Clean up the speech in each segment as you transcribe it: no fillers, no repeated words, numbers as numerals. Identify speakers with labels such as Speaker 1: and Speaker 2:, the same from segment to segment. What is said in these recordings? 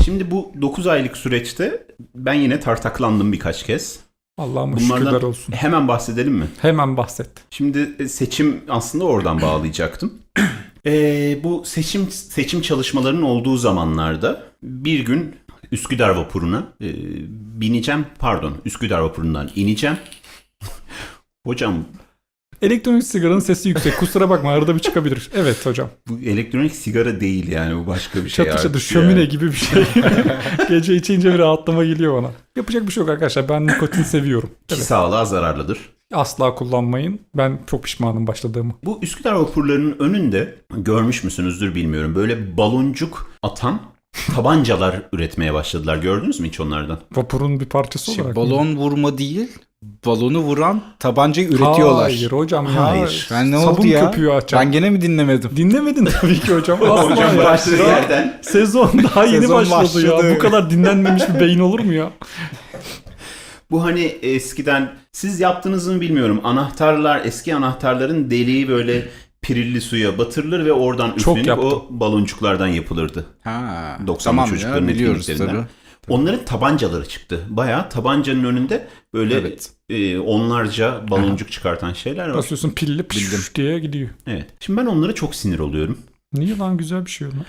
Speaker 1: Şimdi bu 9 aylık süreçte ben yine tartaklandım birkaç kez.
Speaker 2: Allah'ıma şükürler olsun.
Speaker 1: Hemen bahsedelim mi?
Speaker 2: Hemen bahset.
Speaker 1: Şimdi seçim aslında oradan bağlayacaktım. Bu seçim çalışmalarının olduğu zamanlarda bir gün Üsküdar vapuruna bineceğim. Pardon, Üsküdar vapurundan ineceğim. Hocam...
Speaker 2: Elektronik sigaranın sesi yüksek. Kusura bakma, arada bir çıkabilir. Evet hocam.
Speaker 1: Bu elektronik sigara değil yani, bu başka bir şey.
Speaker 2: Çatır çatır şömine gibi bir şey. Gece içince bir rahatlama geliyor bana. Yapacak bir şey yok arkadaşlar. Ben nikotin seviyorum.
Speaker 1: Ki sağlığa zararlıdır.
Speaker 2: Asla kullanmayın. Ben çok pişmanım başladığımı.
Speaker 1: Bu Üsküdar vapurlarının önünde, görmüş müsünüzdür bilmiyorum, böyle baloncuk atan tabancalar üretmeye başladılar. Gördünüz mü hiç onlardan?
Speaker 2: Vapurun bir parçası olarak.
Speaker 3: Balon vurma değil, balonu vuran tabancayı üretiyorlar.
Speaker 2: Hayır hocam ya.
Speaker 1: Hayır.
Speaker 3: Ben ne
Speaker 2: Sabun
Speaker 3: oldu ya?
Speaker 2: köpüğü açacağım.
Speaker 3: Ben gene mi dinlemedim?
Speaker 2: Dinlemedin tabii ki hocam. Asla
Speaker 1: Hocam
Speaker 2: ya.
Speaker 1: başladığı yerden.
Speaker 2: Sezon daha yeni
Speaker 3: Sezon
Speaker 2: başladı ya.
Speaker 3: başladı.
Speaker 2: Bu kadar dinlenmemiş bir beyin olur mu ya?
Speaker 1: Bu hani eskiden siz yaptınız mı bilmiyorum. Eski anahtarların deliği böyle pirilli suya batırılır ve oradan
Speaker 2: Çok
Speaker 1: üflenip
Speaker 2: yaptım.
Speaker 1: o baloncuklardan yapılırdı.
Speaker 3: Ha,
Speaker 1: 90'lı
Speaker 3: tamam
Speaker 1: çocukların
Speaker 3: ya, biliyoruz
Speaker 1: etkinliklerinden.
Speaker 3: tabii.
Speaker 1: Onların tabancaları çıktı. Bayağı tabancanın önünde böyle
Speaker 3: Evet.
Speaker 1: Onlarca baloncuk çıkartan şeyler var.
Speaker 2: Basıyorsun pilli püş diye gidiyor.
Speaker 1: Evet. Şimdi ben onlara çok sinir oluyorum.
Speaker 2: Niye lan, güzel bir şey onlar.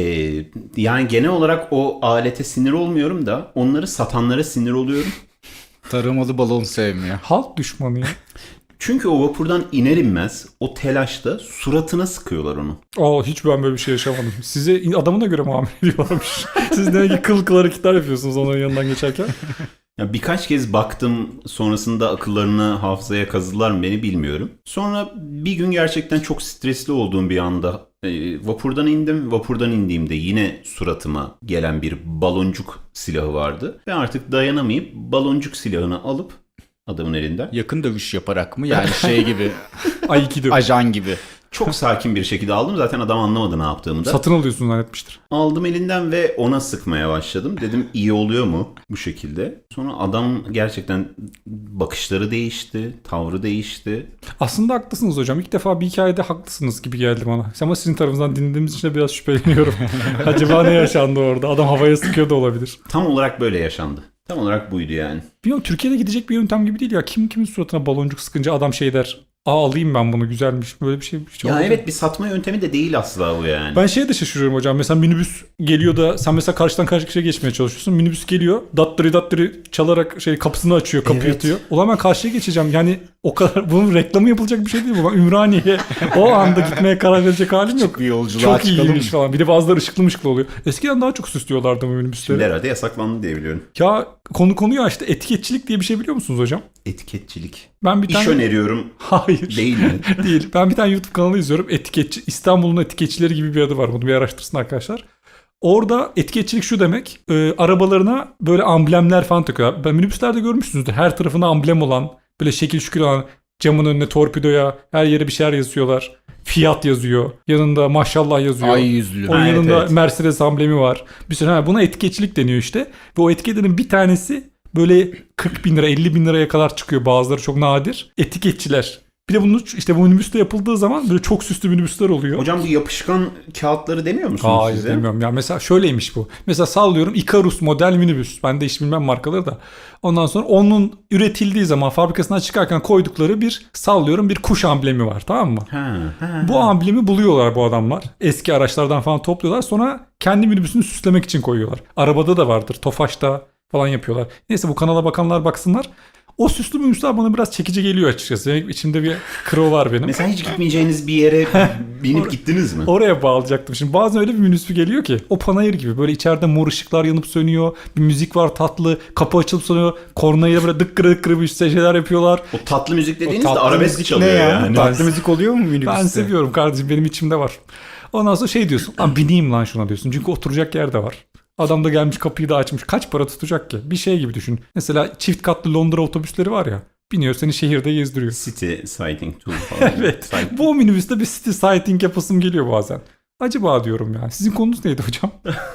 Speaker 1: Yani genel olarak o alete sinir olmuyorum da onları satanlara sinir oluyorum.
Speaker 3: Taramalı balon sevmiyor.
Speaker 2: Halk düşmanı ya.
Speaker 1: Çünkü o vapurdan iner inmez o telaşta suratına sıkıyorlar onu.
Speaker 2: Hiç ben böyle bir şey yaşamadım. Size adamına göre muamele ediyorlarmış. Siz demek ki kıl hareketler yapıyorsunuz onun yanından geçerken.
Speaker 1: Ya birkaç kez baktım, sonrasında akıllarını hafızaya kazıdılar mı beni bilmiyorum. Sonra bir gün gerçekten çok stresli olduğum bir anda vapurdan indim. Vapurdan indiğimde yine suratıma gelen bir baloncuk silahı vardı. Ve artık dayanamayıp baloncuk silahını alıp adamın elinden
Speaker 3: Yakın dövüş yaparak mı? Yani şey gibi,
Speaker 2: Aikido.
Speaker 3: ajan gibi.
Speaker 1: çok sakin bir şekilde aldım. Zaten adam anlamadı ne yaptığımı da.
Speaker 2: Satın alıyorsun zannetmiştir.
Speaker 1: Aldım elinden ve ona sıkmaya başladım. Dedim iyi oluyor mu bu şekilde? Sonra adam gerçekten bakışları değişti, tavrı değişti.
Speaker 2: Aslında haklısınız hocam. İlk defa bir hikayede haklısınız gibi geldi bana. Ama sizin tarafınızdan dinlediğimiz için de biraz şüpheleniyorum. Acaba ne yaşandı orada? Adam havaya sıkıyor da olabilir.
Speaker 1: Tam olarak böyle yaşandı. Tam olarak buydu yani.
Speaker 2: Bilmiyorum, Türkiye'de gidecek bir yöntem gibi değil ya. Kimin suratına baloncuk sıkınca adam şey der. Alayım ben bunu, güzelmiş. Böyle bir şey.
Speaker 1: Ya
Speaker 2: olacak.
Speaker 1: evet, bir satma yöntemi de değil asla bu yani.
Speaker 2: Ben şeye de şaşırıyorum hocam. Mesela minibüs geliyor da sen mesela karşıdan karşıya geçmeye çalışıyorsun. Minibüs geliyor. Dattırı çalarak kapısını açıyor, kapıyı
Speaker 1: Evet.
Speaker 2: atıyor. Ulan ben karşıya geçeceğim. Yani o kadar bunun reklamı yapılacak bir şey değil bu. Ben Ümraniye'ye o anda gitmeye karar verecek halim yok.
Speaker 3: Bir yolculuğa
Speaker 2: Çok
Speaker 3: çıkalım
Speaker 2: iyiymiş
Speaker 3: mı?
Speaker 2: falan. Bir de bazıları ışıklı oluyor. Eskiden daha çok süslüyorlardı bu
Speaker 1: Şimdi
Speaker 2: minibüsleri.
Speaker 1: herhalde yasaklandı diye biliyorum.
Speaker 2: Ya konuyu açtı. Etiketçilik diye bir şey biliyor musunuz hocam?
Speaker 1: Etiketçilik.
Speaker 2: Ben bir
Speaker 1: İş
Speaker 2: tane...
Speaker 1: öneriyorum.
Speaker 2: Hayır.
Speaker 1: Değil mi?
Speaker 2: Değil. Ben bir tane YouTube kanalı izliyorum. Etiketçi. İstanbul'un etiketçileri gibi bir adı var. Bunu bir araştırsın arkadaşlar. Orada etiketçilik şu demek. Arabalarına böyle amblemler falan takıyorlar. Ben minibüslerde görmüşsünüzdür. Her tarafına amblem olan, böyle şekil şükür olan, camın önüne torpidoya, her yere bir şeyler yazıyorlar. Fiyat yazıyor. Yanında maşallah yazıyor.
Speaker 3: Ay yüzlü.
Speaker 2: Onun
Speaker 1: Ha, evet,
Speaker 2: yanında
Speaker 1: evet.
Speaker 2: Mercedes amblemi var. Bir sürü, buna etiketçilik deniyor işte. Ve o etiketlerin bir tanesi böyle 40 bin lira, 50 bin liraya kadar çıkıyor. Bazıları çok nadir. Etiketçiler. Bir de bunu işte bu minibüste yapıldığı zaman böyle çok süslü minibüsler oluyor.
Speaker 1: Hocam bu yapışkan kağıtları demiyor musunuz
Speaker 2: Hayır
Speaker 1: size?
Speaker 2: demiyorum ya. Mesela şöyleymiş bu. Mesela sallıyorum Ikarus model minibüs. Ben de hiç bilmem markaları da. Ondan sonra onun üretildiği zaman fabrikasından çıkarken koydukları bir kuş amblemi var, tamam mı? Bu amblemi buluyorlar bu adamlar. Eski araçlardan falan topluyorlar. Sonra kendi minibüsünü süslemek için koyuyorlar. Arabada da vardır. Tofaş'ta falan yapıyorlar. Neyse, bu kanala bakanlar baksınlar. O süslü minibüsler bana biraz çekici geliyor açıkçası. İçimde bir kro var benim.
Speaker 1: Mesela hiç gitmeyeceğiniz bir yere binip gittiniz mi?
Speaker 2: Oraya bağlayacaktım. Şimdi bazen öyle bir minibüs geliyor ki o panayır gibi böyle içeride mor ışıklar yanıp sönüyor. Bir müzik var tatlı. Kapı açılıp sönüyor. Kornayla böyle dıkkırı dıkkırı bir şeyler yapıyorlar.
Speaker 1: O tatlı müzik dediğiniz de
Speaker 3: tatlı
Speaker 1: arabesk
Speaker 3: müzik
Speaker 1: çalıyor
Speaker 3: ne ya?
Speaker 1: yani.
Speaker 3: Tatlı müzik oluyor mu minibüste?
Speaker 2: Ben seviyorum kardeşim, benim içimde var. Ondan sonra şey diyorsun. Lan bineyim lan şuna diyorsun. Çünkü oturacak yer de var. Adam da gelmiş kapıyı da açmış. Kaç para tutacak ki? Bir şey gibi düşün. Mesela çift katlı Londra otobüsleri var ya. Biniyor seni şehirde gezdiriyor.
Speaker 1: City Sighting Tour falan.
Speaker 2: Evet. Bu minibüste bir city sighting yapasım geliyor bazen. Acaba diyorum yani. Sizin konunuz neydi hocam?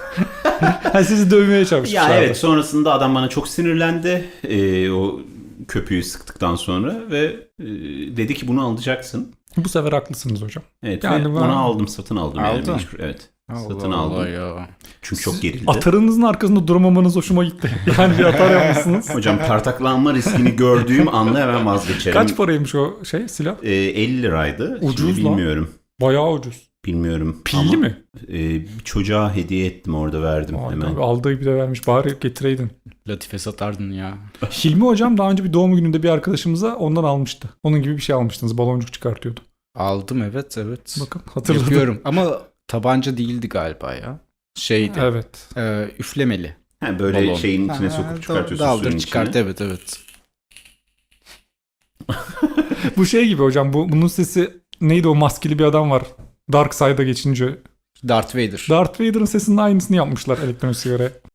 Speaker 2: Sizi dövmeye çalışmışlar.
Speaker 1: Ya evet, sonrasında adam bana çok sinirlendi. O köpüğü sıktıktan sonra ve dedi ki bunu alacaksın.
Speaker 2: Bu sefer haklısınız hocam.
Speaker 1: Evet,
Speaker 2: Yani
Speaker 1: ve
Speaker 2: ben-
Speaker 1: onu aldım, satın aldım. Yani
Speaker 3: Aldın.
Speaker 1: mecbur, evet. Satın aldım.
Speaker 3: ya.
Speaker 1: Çünkü çok gerildi.
Speaker 2: Atarınızın arkasında duramamanız hoşuma gitti. Yani bir atar yapmışsınız.
Speaker 1: Hocam tartaklanma riskini gördüğüm anda hemen vazgeçerim.
Speaker 2: Kaç paraymış o silah?
Speaker 1: 50 liraydı.
Speaker 2: Ucuz
Speaker 1: Şimdi
Speaker 2: lan.
Speaker 1: bilmiyorum.
Speaker 2: Bayağı ucuz.
Speaker 1: Bilmiyorum.
Speaker 2: Pilli
Speaker 1: Ama,
Speaker 2: mi?
Speaker 1: Bir çocuğa hediye ettim, orada verdim
Speaker 2: Vay
Speaker 1: hemen.
Speaker 2: tabii, aldığı gibi de vermiş. Bari getireydin.
Speaker 3: Latife satardın ya.
Speaker 2: Hilmi hocam daha önce bir doğum gününde bir arkadaşımıza ondan almıştı. Onun gibi bir şey almıştınız. Baloncuk çıkartıyordu.
Speaker 3: Aldım evet.
Speaker 2: Bakın hatırladım.
Speaker 3: Yapıyorum ama tabanca değildi galiba ya. Şeydi.
Speaker 2: Evet.
Speaker 3: Üflemeli.
Speaker 1: Ha, böyle
Speaker 3: Balon.
Speaker 1: şeyin içine sokup çıkartıyorsun
Speaker 3: Daldır
Speaker 1: suyun
Speaker 3: çıkart
Speaker 1: içine.
Speaker 3: evet.
Speaker 2: Bu şey gibi hocam. Bunun sesi neydi, o maskeli bir adam var. Dark Side'a geçince.
Speaker 3: Darth Vader.
Speaker 2: Darth Vader'ın sesinin aynısını yapmışlar elektronik sigaraya.